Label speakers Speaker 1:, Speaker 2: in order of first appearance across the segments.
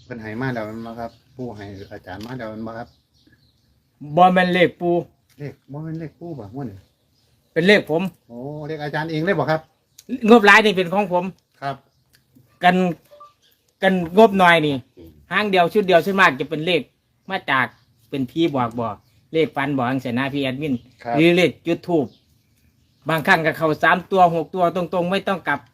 Speaker 1: เพิ่นให้มาแล้วมันบ่ครับปู่ให้อาจารย์มาแล้วมันบ่ครับ
Speaker 2: บ่แม่นเลขปู
Speaker 1: เลขบ่แม่นเลขปู่บ่ม่วนนี่
Speaker 2: เป็นเลขผม
Speaker 1: โอ้เลขอาจารย์เองเลยบ่ครับ
Speaker 2: งบหลายนี่เป็นของผม
Speaker 1: ครับ
Speaker 2: กันงบหน่อยนี่หางเดียวชุดเดียวส่วนมากจะเป็นเลขมาจากเป็นพี่บอกเลขฟันบอกจังซี่นะพี่แอดมิน
Speaker 1: ครับ
Speaker 2: หรือเลขจุดทูบบางครั้งก็เข้า3ตัว6ตัวตรงๆไม่ต้องกลับ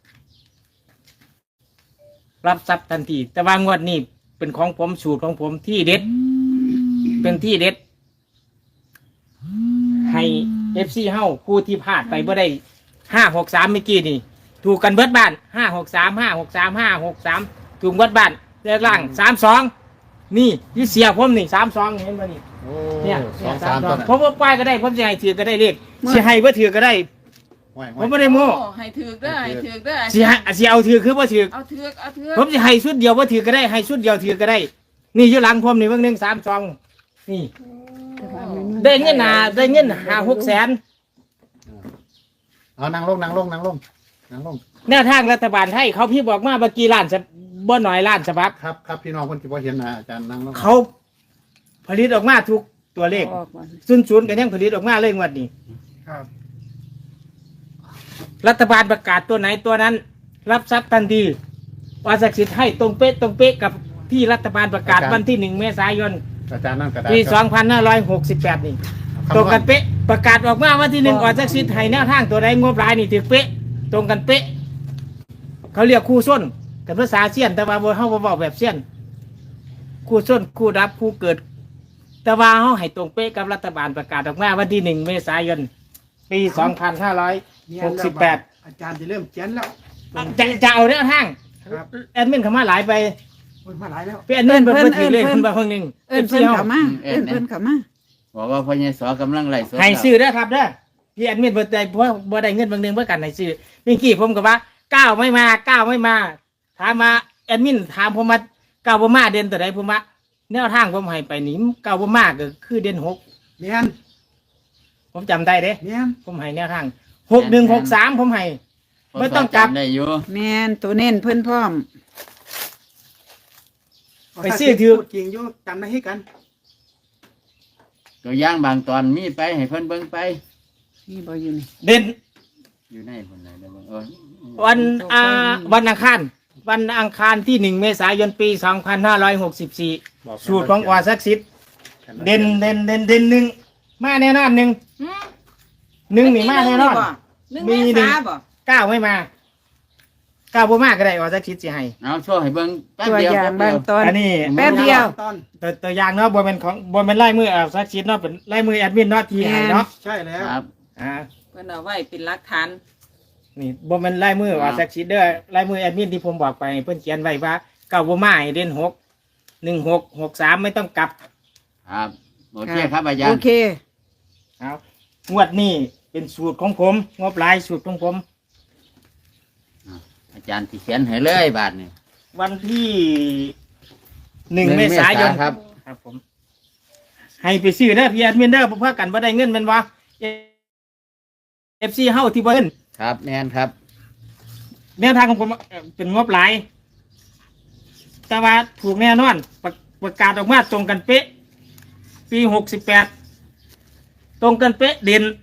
Speaker 2: รับทรัพย์ทันทีแต่ว่างวดนี้เป็นของผมสูตรของผมที่เด็ด เป็นที่เด็ด ให้FC เฮาผู้ที่พลาดไปบ่ได้563เมื่อกี้นี่ ถูกกันเบิดบ้าน563ถูกเบิดบ้านเลขล่าง32นี่ที่เสียผมนี่32เห็นบ่นี่
Speaker 1: โอ้
Speaker 2: เนี่ย
Speaker 1: สองสามตัวน่ะ
Speaker 2: ผมว่าป้ายก็ได้ผมจะให้ถือก็ได้เลขสิให้บ่ถือก็ได้
Speaker 1: ห้วย
Speaker 2: ผมไม่ได้โม้
Speaker 3: โอ้ให้ถือกได้ให้ถือกได้
Speaker 2: สิเอาถือคือบ่ถือ
Speaker 3: เอาถือกเอาถือก
Speaker 2: ผมจะให้ชุดเดียวบ่ถือก็ได้ให้ชุดเดียวถือก็ได้ นี่อยู่หลังผมนี่เบิ่ง1 3 2นี่ ได้เงินได้เงิน5-6 แสน
Speaker 1: เอานั่งลง
Speaker 2: แนวทางรัฐบาลให้เขาพี่บอกมาเมื่อกี้ล้านบ่น้อยล้านฉบับ
Speaker 1: ครับครับพี่น้องเพิ่นสิบ่เห็นนะอาจารย์นั่งลง
Speaker 2: เขาผลิตออกมาทุกตัวเลข
Speaker 3: ออกมา
Speaker 2: ศูนย์ก็ยังผลิตออกมาเลยงวดนี้
Speaker 1: ครับ
Speaker 2: รัฐบาลประกาศตัวไหนตัวนั้น รับทรัพย์ทันทีว่าศักดิ์สิทธิ์ให้ตรงเป๊ะกับที่รัฐบาลประกาศวันที่1 เมษายน
Speaker 1: อาจารย์นั่งกระดาษ
Speaker 2: ปี
Speaker 1: ครับ
Speaker 2: 2568นี่ตรงกันเป๊ะประกาศออกมาวันที่1ออกศักดิ์สิทธิ์ให้แนวทางตัวใดงบหลายนี่ถือเป๊ะตรงกันเป๊ะเขาเรียกคู่ส้นแต่ภาษาเสี้ยนแต่ว่าเฮาบ่เว้าแบบเสี้ยนคู่ส้นคู่รับคู่เกิด แต่ว่าเฮาให้ตรงเป๊ะกับรัฐบาลประกาศออกมาวันที่1 เมษายนปี 2568
Speaker 4: อาจารย์จะเริ่มเขียนแล้ว
Speaker 2: จะเอาแนวทาง
Speaker 4: ครับ
Speaker 2: แอดมินเข้ามาหลายไป
Speaker 4: คนมาหลายแล้ว
Speaker 2: พี่แอดมินเพิ่นถือเลขเพิ่นบ่เพิ่งนึง
Speaker 3: เอิ้นเพิ่นเข้ามาเอิ้นเพิ่นเข้ามา
Speaker 5: บอกว่าพ่อใหญ่สอกำลังไล่สด
Speaker 2: ให้ซื้อเด้อครับเด้อพี่แอดมินบ่ได้เพราะบ่ได้เงินบางนึงเพื่อกันให้ซื้อเมื่อกี้ผมก็ว่า9ไม่มาถามมาแอดมินถามผมมา9บ่มาเด่นตัวใดผมว่าแนวทางผมให้ไปนี่9บ่มาก็คือเด่น6
Speaker 4: เมียน
Speaker 2: ผมจำได้เด้
Speaker 4: เมียน
Speaker 2: ผมให้แนวทาง6163ผมให้ไม่ต้องกลับ
Speaker 5: ได้อยู่
Speaker 3: แม่นตัวเน้นเพิ่นพร้อม
Speaker 2: ไปซื้อถือ
Speaker 4: พูดจริงอยู่จำได้ให้กัน
Speaker 5: ตัวอย่างบางตอนมีไปให้เพิ่นเบิ่งไป
Speaker 3: นี่บ่อยู่นี่
Speaker 2: เด่น
Speaker 5: อยู่ในคนไหนได้เบิ่ง
Speaker 2: วันอังคารที่1 เมษายนปี 2564 สูตรของอศักดิ์สิทธิ์เด่นหนึ่งมาแน่นอนหนึ่งนี่มาแน่นอน
Speaker 3: 1
Speaker 2: มี
Speaker 3: เม
Speaker 2: หนึ่ง
Speaker 3: ษาบ่
Speaker 2: 9ไม่มา9บ่มาก็ได้อศักดิ์สิทธิ์สิให้
Speaker 5: เอาโชว์ให้เบิ่งแป๊บ
Speaker 3: ตัว
Speaker 5: เดียว
Speaker 3: อย่างบางตอน
Speaker 2: อันนี้
Speaker 3: แป๊บเดียว
Speaker 4: ตอน
Speaker 2: ตัวอย่างเนาะบ่แม่นของบ่แม่นลายมืออศักดิ์สิทธิ์เนาะเป็นลายมือแอดมินเนาะที่ให้เนาะ
Speaker 4: ใช่แล้ว
Speaker 5: ครับ
Speaker 2: อ่า
Speaker 3: เพิ่นเอาไว้เป็นหลักฐาน
Speaker 2: นี่บ่แม่นลายมืออศักดิ์สิทธิ์เด้อลายมือแอดมินที่ผมบอกไปเพิ่นเขียนไว้ว่า9บ่มาให้เด่น6 16 63ไม่ต้องกลับ
Speaker 5: ครับโอเคครับอาจาร
Speaker 3: โอ
Speaker 5: ย์
Speaker 3: เค
Speaker 2: เอางวดนี้เป็นสูตรของผมงบหลายสูตรของผม
Speaker 5: อาจารย์ที่เขียนให้เลยบาทนี่
Speaker 2: วันที่1 เมษายน
Speaker 5: ครับ
Speaker 2: ครับผม ให้ไปซื้อเด้อพี่แอดมินเด้อเพื่อกันบ่ได้เงินแมันวะ FC เฮาที่บ่เงิน
Speaker 5: ครับแน่นครับ
Speaker 2: แนวทางของผมเป็นงบหลาย แต่ว่าถูกแน่นอนประกาศออกมาตรงกันเป๊ะ ปี68ตรงกันเป๊ะเด่น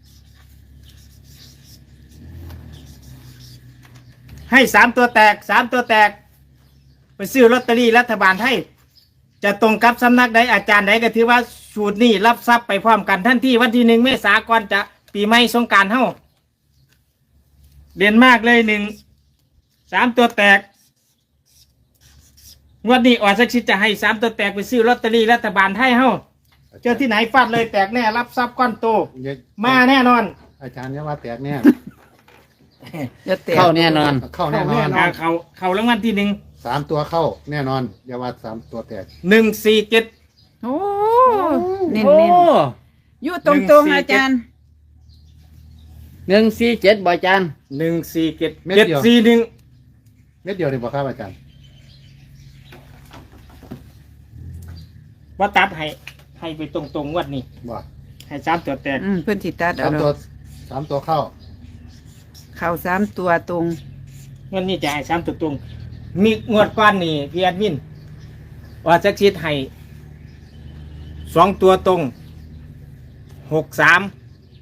Speaker 2: ให้3 ตัวแตก3 ตัวแตก ไปซื้อลอตเตอรี่รัฐบาลไทยจะตรงกับสำนักใดอาจารย์ใดก็ถือว่าสูตรนี้รับทรัพย์ไปพร้อมกันทันทีวันที่1 เมษายนจะปีใหม่สงกรานต์เฮาเด่นมากเลย3 ตัวแตกงวดนี้อศักดิ์สิทธิ์จะให้3 ตัวแตกไปซื้อลอตเตอรี่รัฐบาลไทยเฮาเจอที่ไหนฟาดเลยแตกแน่รับทรัพย์ก้อนโตมาแน่นอน
Speaker 1: อาจารย์เนี่ยว่าแตกแน่
Speaker 3: จะแตก
Speaker 5: เข้าแน่นอน
Speaker 1: เข้าแน่นอน
Speaker 2: เขารางวัลที่
Speaker 1: 3 ตัวเข้าแน่นอนอย่าว่า3 ตัวแตก
Speaker 2: 1 147
Speaker 3: โอ้เน้น
Speaker 5: โอ้
Speaker 3: ๆอยู่ตรงๆอาจารย์
Speaker 5: 147บ่อาจารย์
Speaker 2: 147
Speaker 1: เม็ดเดียว
Speaker 2: 741
Speaker 1: เม็ดเดียวนี่บ่ครับอาจารย์
Speaker 2: ว่าตัดให้ไปตรงๆงวดนี้
Speaker 1: บ่
Speaker 2: ให้3 ตัวแตก
Speaker 3: เพิ่นสิตัดเอา
Speaker 1: 3
Speaker 3: ด
Speaker 1: ตัว
Speaker 3: อก
Speaker 1: 3 ตัวเข้า
Speaker 3: เข้า3 ตัวตรง
Speaker 2: งวดนี้จะให้3 ตัวตรงมีงวดก้อนนี่พี่แอดมินว่าจักชิดให้2 ตัวตรง63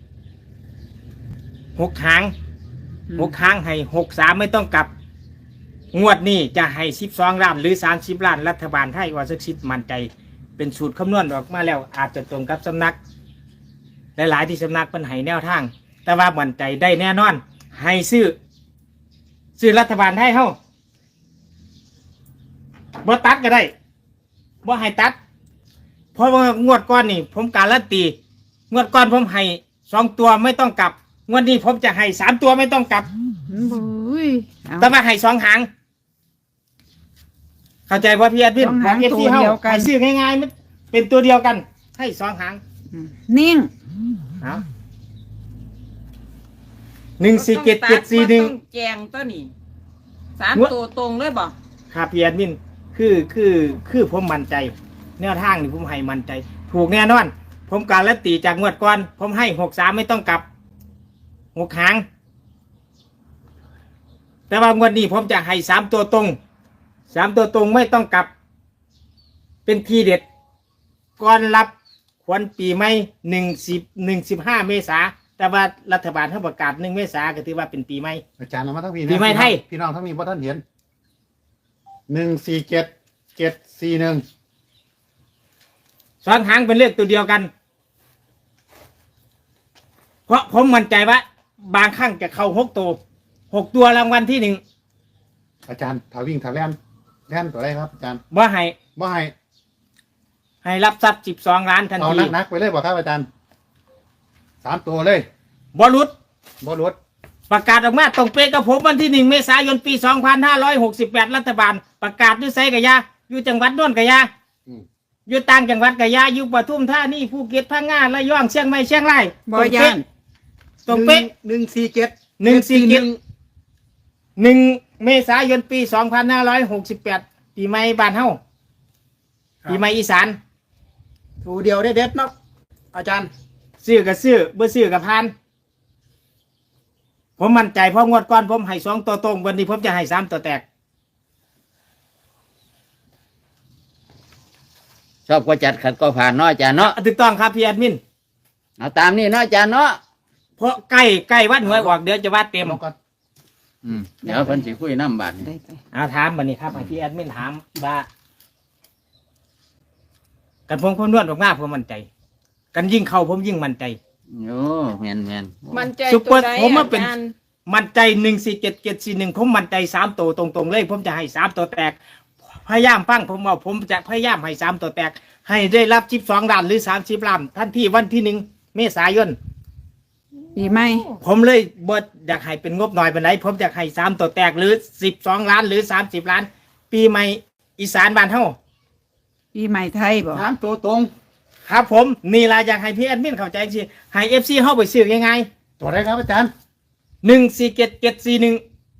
Speaker 2: 6 หาง6 หางให้63ไม่ต้องกลับงวดนี้จะให้12 ล้านหรือ30 ล้านรัฐบาลไทยว่าจักชิดมั่นใจเป็นสูตรคำนวณออกมาแล้วอาจจะตรงกับสำนักหลายๆที่สำนักเป็นให้แนวทาง แต่ว่ามั่นใจได้แน่นอนให้ซื้อรัฐบาลไทยเฮาบ่ตัดก็ได้บ่ให้ตัดเพราะว่างวดก่อนนี่ผมการันตีงวดก่อนผมให้2 ตัวไม่ต้องกลับงวดนี้ผมจะให้3 ตัวไม่ต้องกลับ
Speaker 3: บุ้ยเอา
Speaker 2: แต่ว่าให้2 หางเข้าใจว่าพี่แอดมิน
Speaker 3: สองหาง
Speaker 2: บอก
Speaker 3: ตัวเดียวกัน
Speaker 2: ให้ซื้อง่ายๆมันเป็นตัวเดียวกันให้2 หาง
Speaker 3: นิ่ง
Speaker 2: เอา147
Speaker 6: ต้อง
Speaker 2: 741
Speaker 6: แจงตัวนี้3
Speaker 2: งวด
Speaker 6: ตัวตรงเลยบ่
Speaker 2: ครับพี่แอดมินคือผมมั่นใจแนวทางนี่ผมให้มั่นใจ ถูกแน่นอน ผมการันตีจากงวดก่อนผมให้63ไม่ต้องกลับ6 หาง แต่ว่างวดนี้ผมจะให้3 ตัวตรง3 ตัวตรงไม่ต้องกลับ เป็นทีเด็ดก่อนรับขวัญปีใหม่15 เมษาแต่ว่ารัฐบาลเขาประกาศ1 เมษาก็ถือว่าเป็นปีใหม่
Speaker 1: อาจารย์เอามาทั้งพี่
Speaker 2: ปีใหม่ไทย
Speaker 1: พี่น้องทั้งมีพ่ท่านเห็น147 741
Speaker 2: 2 หางเป็นเลขตัวเดียวกัน เพราะผมมั่นใจว่าบางครั้งจะเข้า6 ตัวรางวัลที่
Speaker 1: อาจารย์ถ้าวิ่งถ้าแล่นตัวอะไรครับอาจารย์
Speaker 2: 1ว่าให้
Speaker 1: บ่ให้
Speaker 2: ให้รับทรัพย์12 ล้านทัน
Speaker 1: เอา
Speaker 2: ที
Speaker 1: นักๆไปเลยบ่ครับอาจารย์3 ตัวเลย
Speaker 2: บรุษ
Speaker 1: บ่ลด
Speaker 2: ประกาศออกมาตรงเป๊ะกับผมวันที่1 เมษายนปี 2568 รัฐบาล ประกาศด้วยไซกะยาอยู่จังหวัดโน่นกะยา
Speaker 1: อืม
Speaker 2: อยู่ต่างจังหวัดกะยาอยู่ปทุมธานีภูเก็ตพังงาระยองเชียงใหม่เชียงราย
Speaker 3: บ่ย่าน
Speaker 2: ตรงเป๊ะ
Speaker 4: 147
Speaker 2: 1 เมษายนปี 2568 ปีใหม่บ้านเฮาปีใหม่อีสาน
Speaker 4: ตัวเดียวได้เด็ดเนาะอาจารย์
Speaker 2: ซื้อกับซื้อบ่ซื้อกับพาน ผมมั่นใจเพราะงวดก่อนผมให้2 ตัวตรงวันนี้ผมจะให้3 ตัวแตก
Speaker 5: ชอบก็จัดขัดก็ผ่านเนาะอาจารย์เนาะ
Speaker 2: ถูกต้องครับพี่แอดมิน
Speaker 5: เอาตามนี่เนาะอาจารย์เนาะ
Speaker 2: เพราะใกล้วันหวยออกเดี๋ยวจะวัดเต็ม
Speaker 1: ลงก่อน
Speaker 5: เดี๋ยวเพิ่นสิคุยน้ำบาดนี่
Speaker 3: ได้ไป
Speaker 2: เอาถามบันนี้ครับให้พี่แอดมินถามว่ากันผมคนนวดออกหน้าผมมั่นใจ กันยิ่งเข้าผมยิ่งมั่นใจ
Speaker 5: โอ้แม่น
Speaker 6: มันใจ
Speaker 2: ซุปเป
Speaker 6: ตั
Speaker 2: อ
Speaker 6: ว
Speaker 2: ร์
Speaker 6: ใด
Speaker 2: ผมมา
Speaker 6: อา
Speaker 2: เป็น
Speaker 6: จารย์
Speaker 2: มั่นใจ147 741ผมมั่นใจ3 ตัวตรงๆเลย ผมจะให้3 ตัวแตก พยายามฟังผมว่าผมจะพยายามให้3 ตัวแตก ให้ได้รับ12 ล้านหรือ30 ล้านท่านที่วันที่1 เมษายน
Speaker 3: ปีใหม่
Speaker 2: ผมเลยบ่อยากให้เป็นงบหน่อยปานใดผมอยากให้3 ตัวแตกหรือ12 ล้านหรือ30 ล้าน ปีใหม่อีสานบ้านเฮา
Speaker 3: ปีใหม่ไทยบ่
Speaker 4: 3 ตัวตรง
Speaker 2: ครับผมนี่ล่ะอยากให้พี่แอดมินเข้าใจสิให้ FC เฮาไปซื้อง่าย
Speaker 1: ตัวอะไรครับอาจารย์
Speaker 2: ๆ147741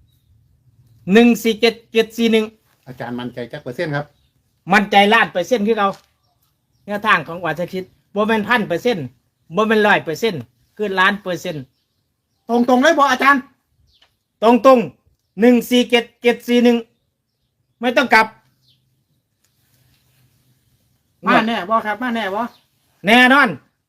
Speaker 2: 147741
Speaker 1: อาจารย์มั่นใจจักเปอร์เซ็นต์ครับ
Speaker 2: มั่นใจล้านเปอร์เซ็นต์คือเราแนวทางของวัชคิดบ่แม่น1,000%บ่แม่น100%คือล้านเปอร์เซ็นต์
Speaker 4: ตรงเลยบ่อาจารย์
Speaker 2: ตรง147741ไม่ต้องกลับ
Speaker 4: มาแน่บ่ครับมาแน่บ่
Speaker 2: แน่นอน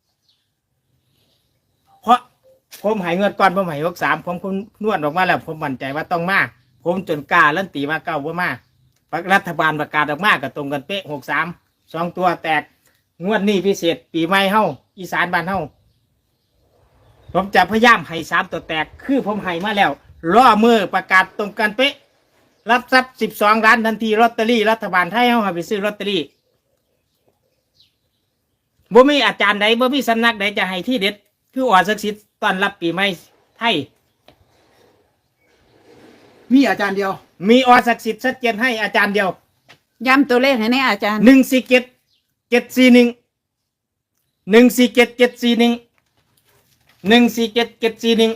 Speaker 2: เพราะผมใหายเงินก่อนผมใหาย63ผมคุณนวดออกมาแล้ว ผมมั่นใจว่าต้องมา ผมจนกล้าลั่นตีมาเก้าว่ามารัฐบาลประกาศออกมากับตรงกันเป๊ะ63 2 ตัวแตก งวดนี้พิเศษปีใหม่เฮาอีสานบ้านเฮาผมจะพยายามให้3 ตัวแตก คือผมให้มาแล้วล่อมือประกาศตรงกันเป๊ะ รับทรัพย์12 ล้านทันทีลอตเตอรี่รัฐบาลไทยเฮาให้ไปซื้อลอตเตอรี่บ่มีอาจารย์ใดบ่มีสำนักใดจะให้ที่เด็ด คือออศักดิ์สิทธิ์ต้อนรับปีใหม่ไทย
Speaker 4: มีอาจารย์เดียว
Speaker 2: มีอศักดิ์สิทธิ์ชัดเจนให้อาจารย์เดียว
Speaker 3: ย้ำตัวเลขให้แน่อาจารย์
Speaker 2: 147 741 147 741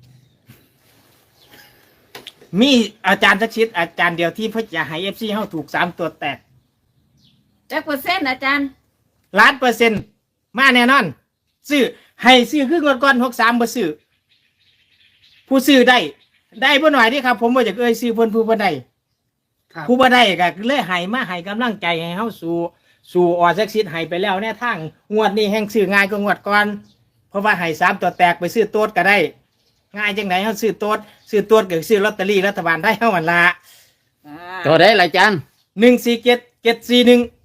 Speaker 2: มีอาจารย์ชักชิดอาจารย์เดียวที่เพื่อจะให้ FC เฮาถูก3 ตัวแตก
Speaker 6: จักเปอร์เซ็นต์อาจารย์
Speaker 2: 1,000,000%มาแน่นอน ซื้อให้ซื้อคืองวดก่อน63บ่ซื้อผู้ซื้อได้บ่หน่อยเด้ครับ ผมบ่อยากซื้อเพิ่นผู้บ่ได้
Speaker 4: ครับ
Speaker 2: ผู้บ่ได้ก็เลยให้มาให้กำลังใจให้เฮาสู่ออสักซิดให้ไปแล้วแน่ทางงวดนี้แห่งซื้อง่ายกว่างวดก่อนเพราะว่าให้3ตัวแตกไปซื้อโต๊ดก็ได้ ง่ายจังไดเฮาซื้อโต๊ดก็ซื้อลอตเตอรี่รัฐบาลได้เฮาหั่นล่ะ
Speaker 5: ตัวใดล่ะอาจารย์
Speaker 2: 147 741